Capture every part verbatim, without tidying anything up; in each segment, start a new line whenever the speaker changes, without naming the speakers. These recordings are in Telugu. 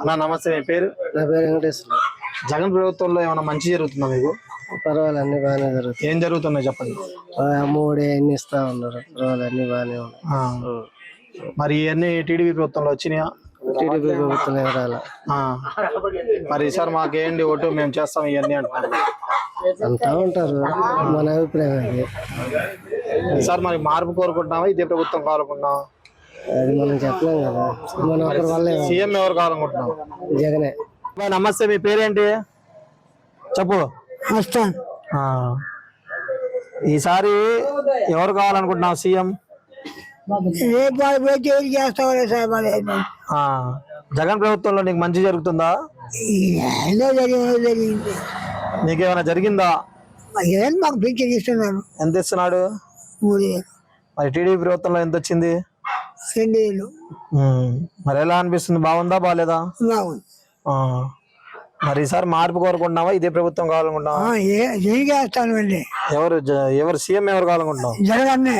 నా నమస్తే. మీ పేరు?
నా పేరు వెంకటేశ్వర.
జగన్ ప్రభుత్వంలో ఏమైనా మంచి జరుగుతుందా మీకు?
పర్వాలేదు, అన్ని బాగానే జరుగుతాయి.
ఏం జరుగుతున్నాయి చెప్పండి.
అమ్మఒడి అన్ని ఇస్తా ఉన్నారు, పర్వాలేదు అన్ని బాగానే ఉన్నాయి.
ఆ, మరి ఇవన్నీ టీడీపీ ప్రభుత్వంలో వచ్చినాయా?
టీడీపీ ప్రభుత్వం ఎవరాల
ఆ, మరి ఈసారి మాకేంటి ఓటు మేము చేస్తాం ఇవన్నీ అంటున్నారు.
అంటా ఉంటారు, మన అభిప్రాయం అది.
ఈసారి మరి మార్పు కోరుకుంటున్నావా, ఇదే ప్రభుత్వం కావాలనుకుంటున్నావా?
అది మనం చెప్పలేం కదా, మన ఒకరి వల్ల
సీఎం ఎవరు కావాలనుకుంటున్నావు?
జగనే.
నమస్తే. మీ పేరేంటి చెప్పు. ఆ, ఈసారి ఎవరు కావాలనుకుంటున్నావు సీఎం? ఆ, జగన్ ప్రభుత్వంలో నీకు మంచి జరుగుతుందా? నీకేమైనా జరిగిందా?
మాకు పింఛన్ ఇస్తున్నారు.
ఎంత ఇస్తున్నాడు? మరి టీడీపీ ప్రభుత్వంలో ఎంత వచ్చింది?
రెండు వేలు.
ఉమ్, మరి ఎలా అనిపిస్తుంది? బాగుందా బాగాలేదా?
బాగుంది.
ఆ, మరి ఈసారి మార్పు కోరుకుంటున్నావా, ఇదే ప్రభుత్వం కావాలనుకుంటున్నావా?
చేస్తాను.
ఎవరు జ- ఎవరు సీఎం ఎవరు కావాలనుకుంటున్నావు?
జగన్ అన్నే.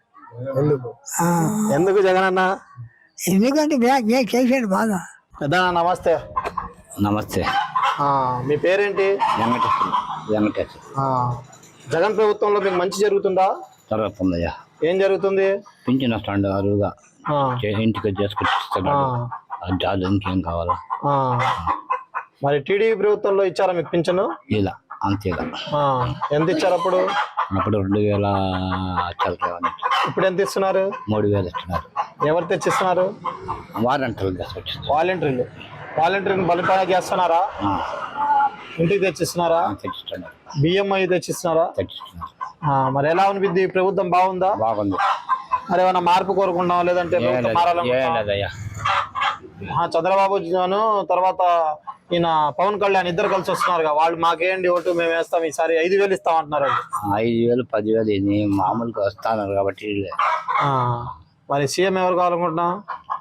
ఎందుకు జగన్ అన్న?
ఎందుకంటే నేను చేసాను బాగా.
పెద్ద నమస్తే.
నమస్తే.
ఆ, మీ పేరేంటి?
వెంకటేశ్వర. వెంకటేశ్వర.
ఆ, జగన్ ప్రభుత్వంలో మీకు మంచి జరుగుతుందా?
జరుగుతుందయ్యా.
ఏం జరుగుతుంది?
పింఛన్ వస్తాడు అరువుగా,
ఆ,
ఇంటికి చేసుకొచ్చిస్తున్నాడు.
ఆ,
జాలు ఇంకేం కావాలా?
ఆ. మరి టీడీపీ ప్రభుత్వంలో ఇచ్చారా మీకు పింఛను?
ఇలా అంతేగా.
ఆ, ఎంత ఇచ్చారు అప్పుడు?
అప్పుడు రెండు వేల చల్లరేవని
ఇప్పుడు ఎంత ఇస్తున్నారు?
మూడు వేలు ఇస్తున్నారు.
ఎవరు తెచ్చిస్తున్నారు?
వారంటలు తీసుకొచ్చిస్తారు.
వాలంటీర్లు. వాలంటీర్లు బలిపాగా చేస్తున్నారా? ఇంటికి తెచ్చిస్తున్నారా?
తెచ్చిస్తున్నారు.
బియ్యం అవి తెచ్చిస్తున్నారా?
తెచ్చిస్తున్నారు.
ఆ, మరి ఎలా అనిపిద్ది? ఈ ప్రభుత్వం బాగుందా?
బాగుంది.
మరి ఏమైనా మార్పు కోరుకుంటున్నావా, లేదంటే
ఏం
ప్రభుత్వం
లేదు, ఏం
మారాలనుకుంటున్నావా?
లేదయ్యా.
ఆ, చంద్రబాబు జాను తర్వాత ఈయన పవన్ కళ్యాణ్ ఇద్దరు కలిసి వస్తున్నారు. వాళ్ళు మాకేంటి ఓటు మేము వేస్తాం, ఈసారి ఐదు వేలు ఇస్తాం అంటున్నారు.
ఐదు వేలు పదివేలు ఇది మామూలుగా వస్తున్నారు కాబట్టి.
ఆ, మరి సీఎం ఎవరు కావాలనుకుంటున్నాం?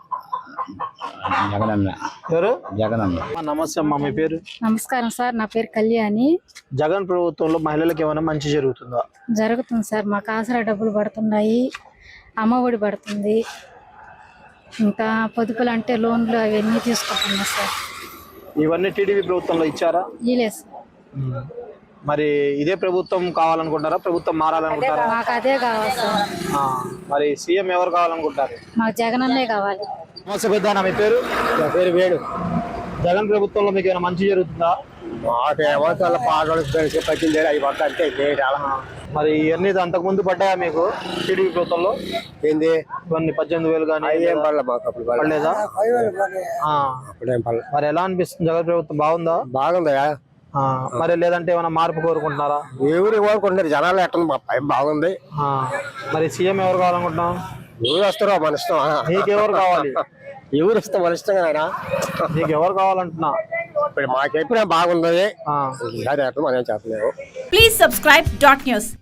జగనన్న.
ఎవరు?
జగనన్న.
నమస్తే అమ్మా. మీ పేరు?
నమస్కారం సార్, నా పేరు కళ్యాణి.
జగన్ ప్రభుత్వంలో మహిళలకు ఏమైనా మంచి జరుగుతుందా?
జరుగుతుంది సార్, మాకు ఆసరా డబ్బులు పడుతున్నాయి, అమ్మ ఒడి పడుతుంది, ఇంకా పొదుపులు అంటే లోన్లు అవన్నీ తీసుకుంటున్నాం సార్.
ఇవన్నీ టీడీపీ ప్రభుత్వంలో ఇచ్చారా?
ఇలే సార్.
మరి ఇదే ప్రభుత్వం కావాలనుకుంటారా, ప్రభుత్వం మారాలనుకుంటారా?
మాకు అదే కావాలి సార్.
ఆ, మరి సీఎం ఎవరు కావాలనుకుంటారు?
మాకు జగన్ అన్నే కావాలి.
నమస్తే పెద్దనా. మీ పేరు?
నా పేరు వేణు.
జగన్ ప్రభుత్వంలో మీకు ఏమైనా మంచి జరుగుతుందా?
మాకేమో చాలా పాటలు పట్టింది అవి పడతా అంటే
మరి ఇవన్నీ అంతకు ముందు పడ్డాయా మీకు టీడీపీ ప్రభుత్వంలో?
ఏంది
ఇవన్నీ పద్దెనిమిది వేలు కానీ
ఏం పడలే మాకు అప్పుడు
పడలేదా? ఆ,
అప్పుడేం పడలే.
మరి ఎలా అనిపిస్తుంది? జగన్ ప్రభుత్వం బాగుందా?
బాగుందా?
ఆ, మరి లేదంటే ఏమైనా మార్పు కోరుకుంటున్నారా?
ఎవరు కోరుకుంటున్నారు జనాలు ఎట్టుంది? మా పై బాగుంది.
ఆ, మరి సీఎం ఎవరు కావాలనుకుంటున్నాం?
ఎవరు వస్తారో మన ఇష్టం.
నీకెవరు కావాలి?
ఎవరు ఇష్టం మన ఇష్టం కదా.
నీకు ఎవరు కావాలంటున్నా?
ఇప్పుడు మాకెప్పుడు బాగుంది,
ఆ.
మనం చెప్పలేము.
Please subscribe dot news.